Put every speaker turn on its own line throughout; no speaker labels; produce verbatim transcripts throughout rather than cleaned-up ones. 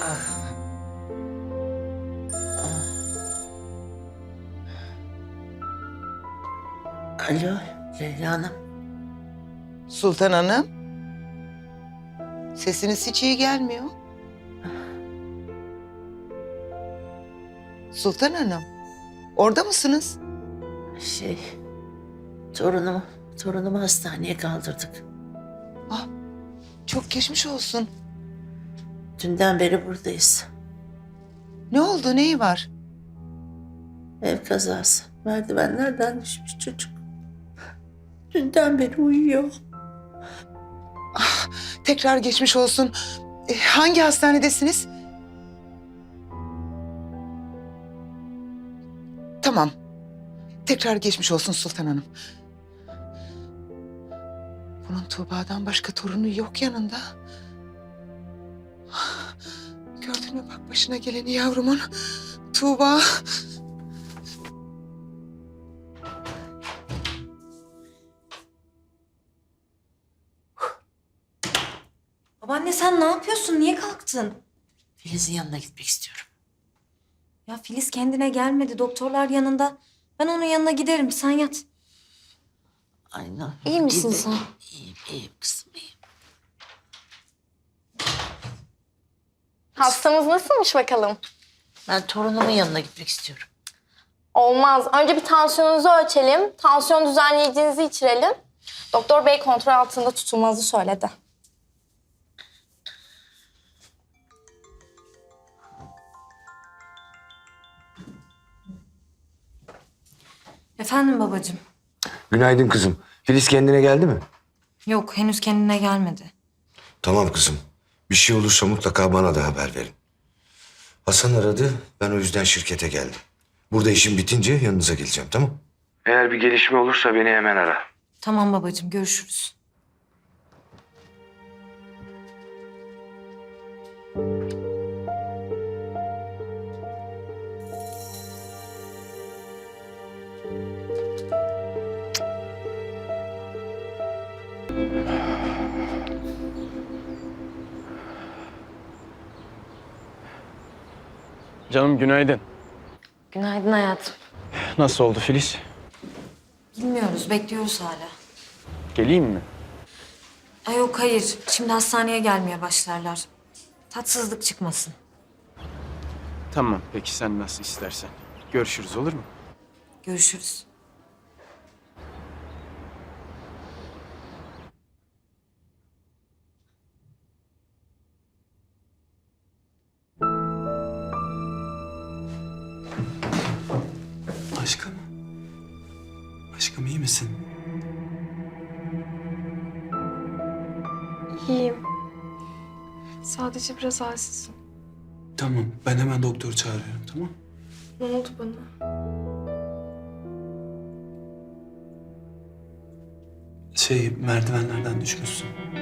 Alo Leyla Hanım.
Sultan Hanım. Sesiniz hiç iyi gelmiyor. Sultan Hanım. Orada mısınız?
Şey, torunumu, torunumu hastaneye kaldırdık.
Ah, çok geçmiş olsun.
Dünden beri buradayız.
Ne oldu, neyi var?
Ev kazası. Merdivenlerden düşmüş çocuk. Dünden beri uyuyor.
Ah, tekrar geçmiş olsun. E, hangi hastanedesiniz? Tamam. Tekrar geçmiş olsun Sultan Hanım. Bunun Tuğba'dan başka torunu yok yanında. Gördün mü bak başına geleni yavrumun. Tuğba.
Babaanne sen ne yapıyorsun? Niye kalktın?
Filiz'in yanına gitmek istiyorum.
Ya Filiz kendine gelmedi. Doktorlar yanında. Ben onun yanına giderim. Sen yat.
Aynen.
İyi misin sen?
İyiyim, iyiyim kızım, iyiyim.
Hastamız nasılmış bakalım?
Ben torunumun yanına gitmek istiyorum.
Olmaz. Önce bir tansiyonunuzu ölçelim. Tansiyon düzenleyicinizi içirelim. Doktor bey kontrol altında tutulmanızı söyledi.
Efendim babacığım.
Günaydın kızım. Filiz kendine geldi mi?
Yok henüz kendine gelmedi.
Tamam kızım. Bir şey olursa mutlaka bana da haber verin. Hasan aradı. Ben o yüzden şirkete geldim. Burada işim bitince yanınıza geleceğim, tamam? Eğer bir gelişme olursa beni hemen ara.
Tamam babacığım görüşürüz.
Canım günaydın.
Günaydın hayatım.
Nasıl oldu Filiz?
Bilmiyoruz bekliyoruz hala.
Geleyim mi?
Ay yok hayır. Şimdi hastaneye gelmeye başlarlar. Tatsızlık çıkmasın.
Tamam peki sen nasıl istersen. Görüşürüz olur mu?
Görüşürüz.
Aşkım. Aşkım iyi misin?
İyiyim. Sadece biraz halsizim.
Tamam ben hemen doktor çağırıyorum, tamam?
Ne oldu bana?
Şey merdivenlerden düşmüşsün.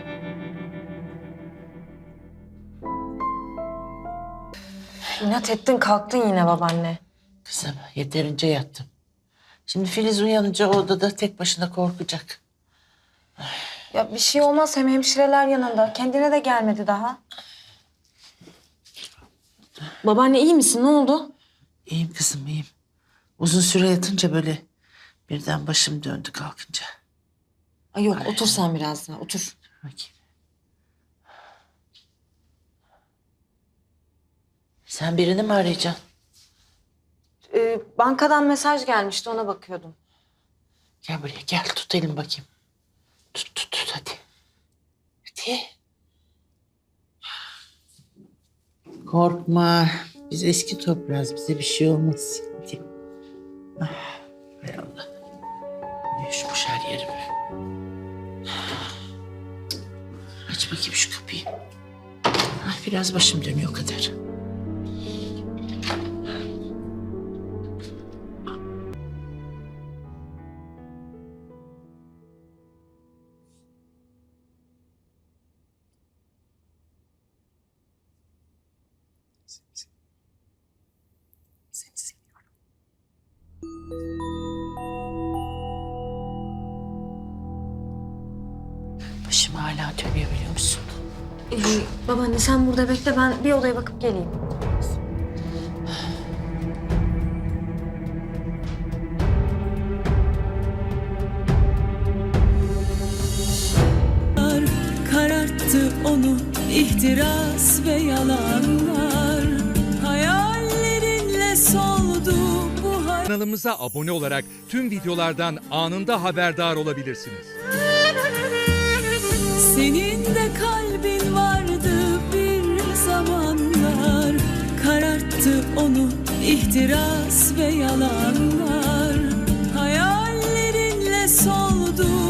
İnat ettin kalktın yine babaanne.
Kızım yeterince yattım. Şimdi Filiz uyanınca o odada tek başına korkacak.
Ya bir şey olmaz hem hemşireler yanında. Kendine de gelmedi daha. Babaanne iyi misin? Ne oldu?
İyiyim kızım, iyiyim. Uzun süre yatınca böyle birden başım döndü kalkınca.
Ay yok otur sen biraz daha otur.
Bakayım. Sen birini mi arayacaksın?
Ee, bankadan mesaj gelmişti ona bakıyordum.
Gel buraya gel, tut elimi bakayım. Tut tut tut hadi. Hadi. Korkma. Biz eski toprağız. Bize bir şey olmaz. Hadi. Ah, hay Allah. Uyuşmuş her yerim. Aç bakayım şu kapıyı. Ah, biraz başım dönüyor o kadar.
Seni seviyorum.
Başım hala dönüyor biliyor musun?
Ee, babaanne sen burada bekle, ben bir odaya bakıp geleyim.
Kararttı onu ihtiras ve yalanlar. Hayallerinle soldu bu hayat.
Kanalımıza abone olarak tüm videolardan anında haberdar olabilirsiniz.
Senin de kalbin vardı bir zamanlar. Kararttı onu ihtiras ve yalanlar. Hayallerinle soldu